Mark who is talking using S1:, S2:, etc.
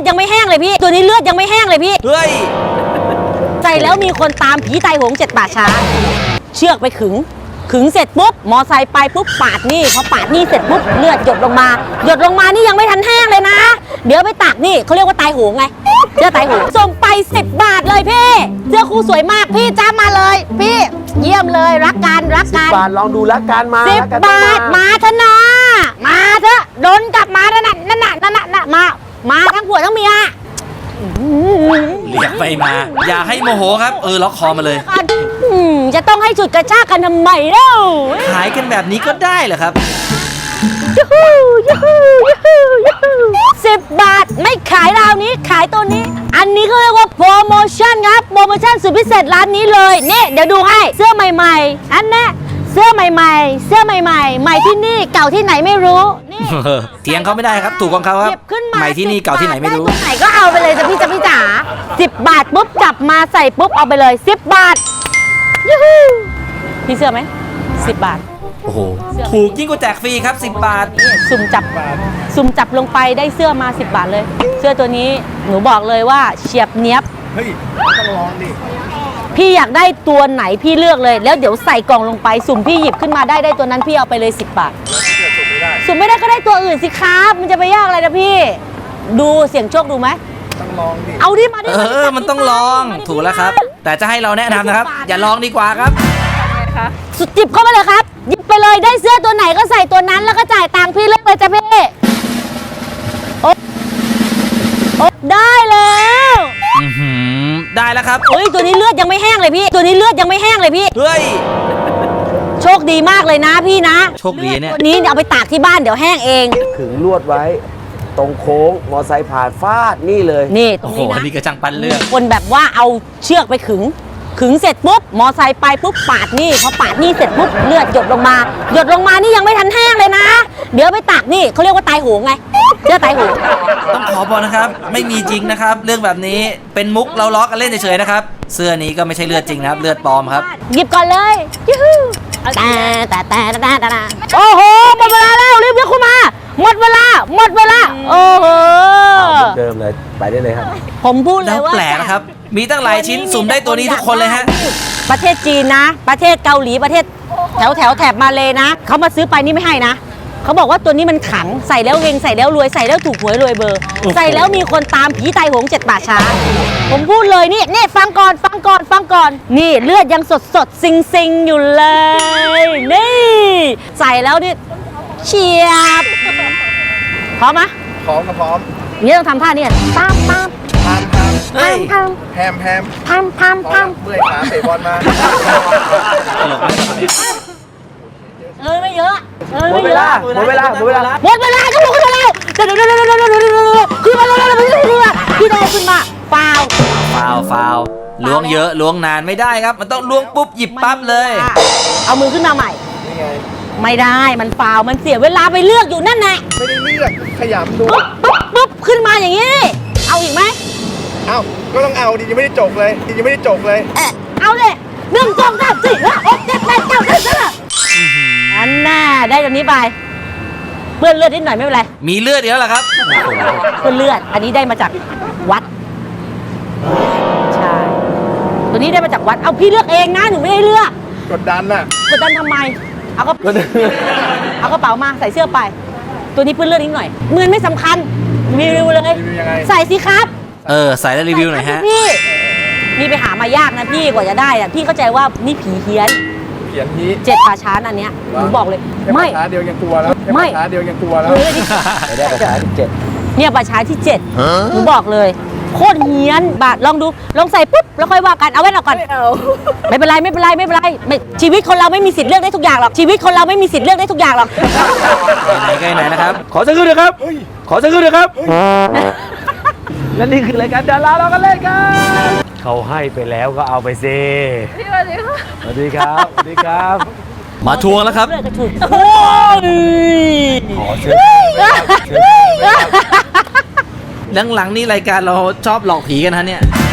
S1: ยังไม่แห้งเลยพี่ตัวนี้เลือดยังไม่แห้งเลยพี่
S2: เฮ้ย
S1: ใจแล้วมีคนตามผีตายโหง7 ป่าช้าเชือกไปขึงเสร็จปุ๊บมอไซค์ไปปุ๊บปาดนี่พอปาดนี่เสร็จปุ๊บเลือดหยดลงมานี่ยังไม่ทันแห้งเลยนะเดี๋ยวไปตักนี่เขาเรียกว่าตายโหงไงเสื้อตายโหงส่งไป10 บาทเลยพี่เสื้อคู่สวยมากพี่จ้ามาเลยพี่เยี่ยมเลยรักกัน
S3: 10 บาทลองดูรักกันมา
S1: 10 บาทมาเถอะนะมาเถอะโดนกลับมานั่นมาทั้งผัวทั้งเมีย
S2: เรียกไปมา อย่าให้โมโหครับล็อกคอมาเลย
S1: จะต้องให้จุดกระชากกันทำไมเล่า
S2: ขายกันแบบนี้ก็ได้เหรอครับ
S1: 10 บาทไม่ขายราวนี้ขายตัวนี้อันนี้ก็เรียกว่าโปรโมชั่นครับโปรโมชั่นสุดพิเศษร้านนี้เลยนี่เดี๋ยวดูให้เสื้อใหม่ๆอันนี้เสื้อใหม่ๆใหม่ที่นี่เก่าที่ไหนไม่รู้นี่
S2: เถียงเขาไม่ได้ครับถูกของเขาครับใหม่ที่นี่เก่าที่ไหนไม่รู้
S1: ไหนก็เอาไปเลยจ้ะพี่จ๋า10 บาทปุ๊บจับมาใส่ปุ๊บเอาไปเลย10 บาทยูฮูพี่เสื้อไหม10 บาท
S2: โอ้โหถูกยิ่งกว่าแจกฟรีครับ10 บาท
S1: สุ่มจับลงไปได้เสื้อมา10 บาทเลยเสื้อตัวนี้หนูบอกเลยว่าเฉียบเนี้ยบ
S3: เฮ้ยต้องลองดิ
S1: พี่อยากได้ตัวไหนพี่เลือกเลยแล้วเดี๋ยวใส่กล่องลงไปสุ่มพี่หยิบขึ้นมาได้ตัวนั้นพี่เอาไปเลย10 บาทสุ่มไม่ได้ก็ได้ตัวอื่นสิครับมันจะไปยากอะไรนะพี่ดูเสี่ยงโชคดูไหม
S3: ต้องลองดิ
S1: เอาดิมาดิ
S2: มันต้องลองถูกแล้วครับแต่จะให้เราแนะนำนะครับอย่าลองดีกว่าครับ
S1: สุดจิบเข้าไปเลยครับหยิบไปเลยได้เสื้อตัวไหนก็ใส่ตัวนั้นแล้วก็จ่ายตังค์พี่เลือกเลยจ้ะพี่โอ้ได้แล้ว
S2: ได้แล้วครับ
S1: เฮ้ยตัวนี้เลือดยังไม่แห้งเลยพี่ตัวนี้เลือดยังไม่แห้งเลยพี่
S2: เฮ้ย
S1: โชคดีมากเลยนะพี่นะ
S2: โชคดีเนี่ย
S1: ตัวนี้เอาไปตากที่บ้านเดี๋ยวแห้งเอง
S3: ขึงลวดไว้ตรงโค้งมอไซค์ผ่านฟาดนี่เลย
S1: นี่ตรงนี้นะ
S2: นี่กระจังปันเลือด
S1: คนแบบว่าเอาเชือกไปขึงเสร็จปุ๊บมอไซค์ไปปุ๊บปาดนี่พอปาดนี่เสร็จปุ๊บเลือดหยดลงมานี่ยังไม่ทันแห้งเลยนะเดี๋ยวไปตักนี่เขาเรียกว่าตายโหงไงเสื้อตายโหง
S2: ต้องขอบอกนะครับไม่มีจริงนะครับเรื่องแบบนี้เป็นมุกเราล้อกันเล่นเฉยๆนะครับเสื้อนี้ก็ไม่ใช่เลือดจริงนะครับเลือดปลอมครับ
S1: หยิบก่อนเลยยูฮูโอ้โหหมดเวลาแล้วรีบยกขึ้นมาหมดเวลาโอ้โห
S3: เดิมเลยไปได้เลยครับ
S1: ผมพูดเลยว่า
S2: แปลกนะครับมีตั้งหลายชิ้นสุ่มได้ตัวนี้ทุกคนเลยฮะ
S1: ประเทศจีนนะประเทศเกาหลีประเทศแถบมาเลยนะเขามาซื้อไปนี่ไม่ให้นะเขาบอกว่าตัวนี้มันขังใส่แล้วเฮงใส่แล้วรวยใส่แล้วถูกหวยรวยเบอร์ใส่แล้วมีคนตามผีตายโหง7 ป่าช้าผมพูดเลยนี่ฟังก่อนนี่เลือดยังสดซิงอยู่เลยนี่ใส่แล้วนี่เฉียบพร้อมไหม
S3: พร้อมครับพร้อม
S1: นี่ต้องทำท่านี่ตาม
S3: แฮมเมื่อยขาเตะบอลมา
S1: ไม่เยอะ
S3: หมดเวลาก็ลุกขึ้นมาแล้ว
S1: ขึ้นมา
S2: ฟาวล้วงเยอะล้วงนานไม่ได้ครับมันต้องล้วงปุ๊บหยิบปั๊บเลย
S1: เอามือขึ้นมาใหม่
S3: นี่ไง
S1: ไม่ได้มันฟาวมันเสียเวลาไปเลือกอยู่นั่นแหละ
S3: ไม่ได้เลือกขยำดู
S1: ปุ๊บขึ้นมาอย่างนี้เอาอีกไหม
S3: เอาก็ต้องเอาดิยังไม่ได้จบเลย
S1: เอาเลย1 2 3 4 5 6 7 8 9 10อันน่าได้ตัวนี้ไปเปื้อนเลือดนิดหน่อยไม่เป็นไร
S2: มีเลือดเยอะเหรอครับ
S1: เปื้อนเลือดอันนี้ได้มาจากวัดใช่ตัวนี้ได้มาจากวัดเอาพี่เลือกเองนะหนูไม่ได้เลือก
S3: กดดัน
S1: ทำไมเอากระเป๋ามาใส่เสื้อไปตัวนี้เปื้อนเลือดนิดหน่อยเงินไม่สำคัญรีวิวเลยใส่สิครับ
S2: ใส่แล้วรีวิวหน่อยฮะ
S1: พี่นี่ไปหามายากนะพี่กว่าจะได้อะพี่เข้าใจว่านี่ผีเฮี้ยน7 ป่าช้าอันเนี้ยหนูบอกเลยไม่
S3: ป่าช้าเดียวยังกลัวแล้วไม่ป่าช้าเดียวยังกลัวแล้วไม่ได้ป่าช้าที่7
S1: เนี่ยป่าช้าที่7หนูบอกเลยโคตรเฮี้ยนบาทลองดูลองใส่ปุ๊บแล้วค่อยว่ากันเอาไว้ก่อนไม่เป็นไรชีวิตคนเราไม่มีสิทธิ์เลือกได้ทุกอย่างหรอก
S2: ไหนนะครับ
S3: ขอสักครู่เดียวครับและนี่คือรายการดาราเรากันเล่นกันเขาให้ไปแล้วก็เอาไปสิสวัสดีครับ
S2: มาทวงแล้วครับ
S3: ขอเชิญ
S2: หลังๆนี่รายการเราชอบหลอกผีกันฮะเนี่ย